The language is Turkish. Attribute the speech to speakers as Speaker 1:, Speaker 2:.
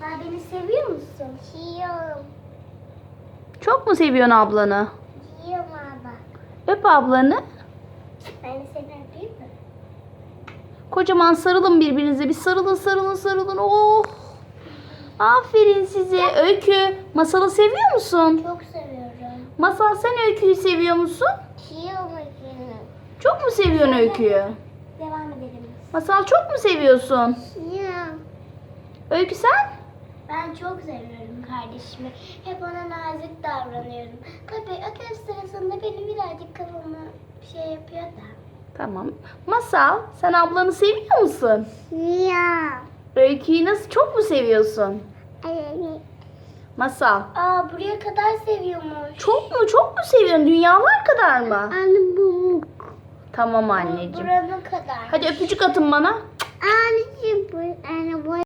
Speaker 1: Beni seviyor musun? Seviyorum.
Speaker 2: Çok mu seviyorsun ablanı?
Speaker 1: Seviyorum abla.
Speaker 2: Öp ablanı.
Speaker 1: Ben de seni öpeyim mi?
Speaker 2: Kocaman sarılın birbirinize. Bir sarılın sarılın sarılın. Oh. Aferin size. Öykü, Masal'ı seviyor musun?
Speaker 1: Çok seviyorum.
Speaker 2: Masal, sen Öykü'yü seviyor musun?
Speaker 1: Seviyorum seni.
Speaker 2: Çok mu seviyorsun Öykü'yü?
Speaker 1: Devam edelim.
Speaker 2: Masal, çok mu seviyorsun?
Speaker 1: Seviyorum.
Speaker 2: Öykü, sen?
Speaker 1: Ben çok seviyorum kardeşimi. Hep ona nazik davranıyorum. Tabii ödev sırasında benim birazcık kafamı şey yapıyor da.
Speaker 2: Tamam. Masal, sen ablanı seviyor musun?
Speaker 1: Ya.
Speaker 2: Öykü'yü nasıl, çok mu seviyorsun?
Speaker 1: Evet.
Speaker 2: Masal,
Speaker 1: Aa, buraya kadar seviyormuş.
Speaker 2: çok mu seviyorsun? Dünyalar kadar mı?
Speaker 1: Anne bu.
Speaker 2: Tamam anneciğim.
Speaker 1: Buranın kadar.
Speaker 2: Hadi öpücük atın bana.
Speaker 1: Anneciğim bu. Anne bu.